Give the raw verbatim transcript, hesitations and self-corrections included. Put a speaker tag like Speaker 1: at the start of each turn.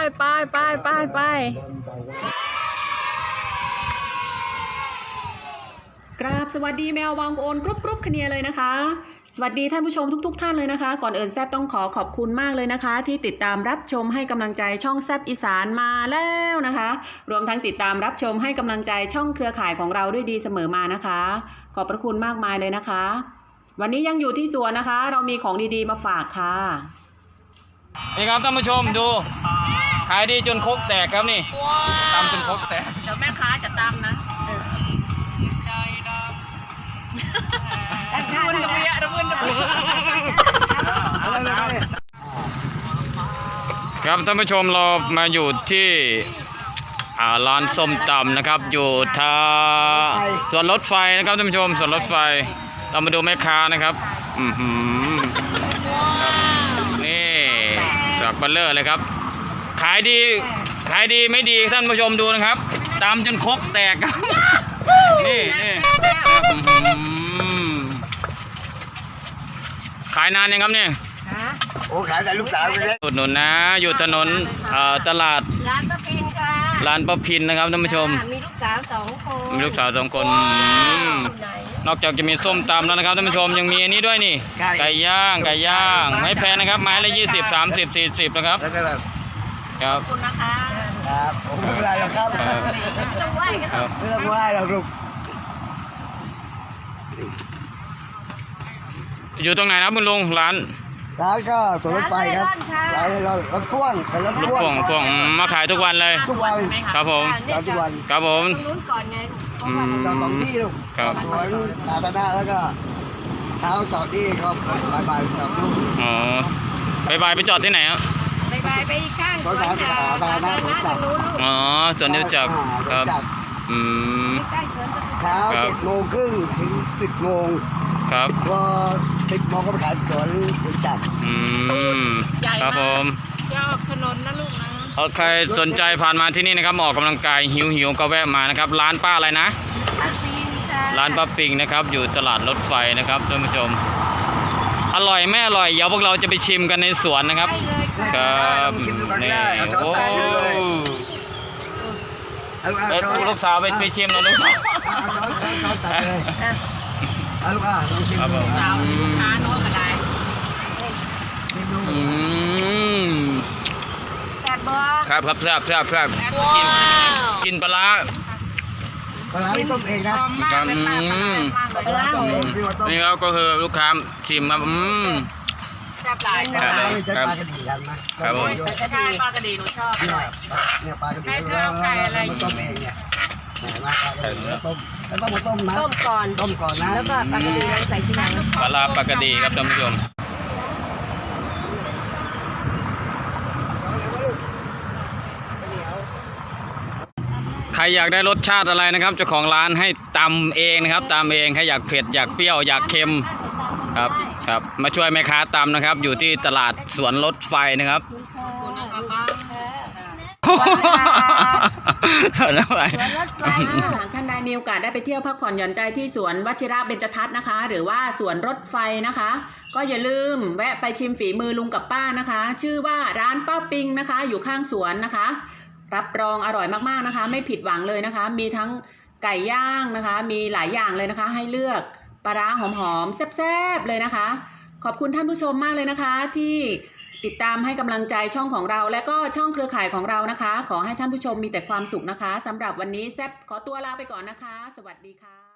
Speaker 1: ไปไปไปไปกราบสวัสดีแมววังโอนกรุบกรุบคเนียเลยนะคะสวัสดีท่านผู้ชมทุกๆ ท่านเลยนะคะก่อนอื่นแซบต้องขอขอบคุณมากเลยนะคะที่ติดตามรับชมให้กำลังใจช่องแซบอีสานมาแล้วนะคะรวมทั้งติดตามรับชมให้กำลังใจช่องเครือข่ายของเราด้วยดีเสมอมานะคะขอบพระคุณมากมายเลยนะคะวันนี้ยังอยู่ที่สวนนะคะเรามีของดีๆมาฝากค่ะ
Speaker 2: นี่ครับท่านผู้ชมดูขายดีจนครกแตกครับนี่ตำจนครกแตก
Speaker 1: เดี๋ยวแม่ค้าจะตำนะระมุนระเบียระมุนระเบีย
Speaker 2: ครับท่านผู้ชมเรามาอยู่ที่ร้านส้มตำนะครับอยู่ท่าสวนรถไฟนะครับท่านผู้ชมสวนรถไฟเรามาดูแม่ค้านะครับอือหือนี่จากบัลเลอร์เลยครับขายดีขายดีไม่ดีท่านผู้ชมดูนะครับตำจนครกแตกครับนี่นี่ขายนานยังครับเนี่ย
Speaker 3: โอ้ขายแต่ลูกสาวเลย
Speaker 2: อุดหนุนนะอยู่ถนนตลาด
Speaker 4: ร้านป้าพินค่ะ
Speaker 2: ร้านป้าพินนะครับท่านผู้ชม
Speaker 4: มีลูกสาวสองคน
Speaker 2: มีลูกสาวสองคนนอกจากจะมีส้มตำแล้วนะครับท่านผู้ชมยังมีอันนี้ด้วยนี่ไก่ย่างไก่ย่างไม่แพงนะครับไม้ละยี่สิบสามสิบสี่สิบนะครับครับ
Speaker 1: ขอบคุณนะคะ
Speaker 3: ครับผมไม่เป็นไรหรอกครับ
Speaker 4: จะไหวกันครับ
Speaker 3: ไม่ต้องไหวหรอกลูก
Speaker 2: อยู่ตรงไหนนะคุณลุงร้าน
Speaker 3: ร้านก็สวนรถไฟครับร้านรถพ่วงเป็นรถพ่วง
Speaker 2: พ่วงมาขายทุกวันเลย
Speaker 3: ทุกวัน
Speaker 2: ครับผม
Speaker 3: ทุกวัน
Speaker 2: ครับผม
Speaker 4: นู้นก่อนไง
Speaker 3: จอดสองที่ลูกสวนสาธารณะแล้วก็เท้าจอดที่ก็บายบายจอดลูก
Speaker 2: อ๋อบายบายไปจอดที่ไหนอ่ะ
Speaker 4: บายบายไปข้าง
Speaker 3: สวนสาธารณะสวนจักร
Speaker 2: อ๋อสวนจักรครับอืม
Speaker 3: เช้าเจ็ดโมงครึ่งถึงสิบโมง
Speaker 2: ครับ
Speaker 3: พอสิบโมงก็ไปขายสวนจักร
Speaker 2: อืมครับผม
Speaker 4: จะออกถนนนะลูกนะ
Speaker 2: เอาใครสนใจผ่านมาที่นี่นะครับออกกำลังกายหิวหิวก็แวะมานะครับร้านป้าอะไรนะร้านป้าปิงนะครับอยู่ตลาดรถไฟนะครับท่านผู้ชมอร่อยไม่อร่อยเดี๋ยวพวกเราจะไปชิมกันในสวนนะครับครับนี่โอ้ลูกสาวไปไปชิมนะลูกสาว
Speaker 3: เอาลูกอ่ะลองชิมดู
Speaker 1: สาวค้าโน้ตก็ได้
Speaker 2: อืม
Speaker 4: แซ่บบ่
Speaker 2: ครับครับแซ่บแซ่บแซ่บกินกินปลา
Speaker 3: ปลาที่ต้มเองนะครับ
Speaker 2: นี่ครับก็คือลูกค้าชิมมาอืม
Speaker 1: แซ่บหลายแซ่บหลาย
Speaker 3: ครับปลากระดีกันนะครับ
Speaker 1: ผมใช่ปลากระดีหนูชอบ
Speaker 3: เนี่ยปลากระดีแล้วมันต้มเองเนี่ยมาปลากระดีแล้วต้มแล้วต้องมาต้มนะ
Speaker 4: ต้มก่อน
Speaker 3: ต้มก่อนนะ
Speaker 4: แล้วก็ปลากระดีใส่ทีหลัง
Speaker 2: ปลาปลากระดีครับท่านผู้ชมใครอยากได้รสชาติอะไรนะครับเจ้าของร้านให้ตำเองนะครับตำเองใครอยากเผ็ดอยากเปรี้ยวอยากเค็มครับครับมาช่วยแม่ค้าตำนะครับอยู่ที่ตลาดสวนรถไฟนะครับ
Speaker 1: สวนรถไฟท่านใดมีโอกาสได้ไปเที่ยวพักผ่อนหย่อนใจที่สวนวชิระเบญจทัศน์นะคะหรือว่าสวนรถไฟนะคะก็อย่าลืมแวะไปชิมฝีมือลุงกับป้านะคะชื่อว่าร้านป้าปิงนะคะอยู่ข้างสวนนะคะรับรองอร่อยมากๆนะคะไม่ผิดหวังเลยนะคะมีทั้งไก่ย่างนะคะมีหลายอย่างเลยนะคะให้เลือกปลาร้าหอมๆแซ่บๆเลยนะคะขอบคุณท่านผู้ชมมากเลยนะคะที่ติดตามให้กำลังใจช่องของเราและก็ช่องเครือข่ายของเรานะคะขอให้ท่านผู้ชมมีแต่ความสุขนะคะสำหรับวันนี้แซบขอตัวลาไปก่อนนะคะสวัสดีค่ะ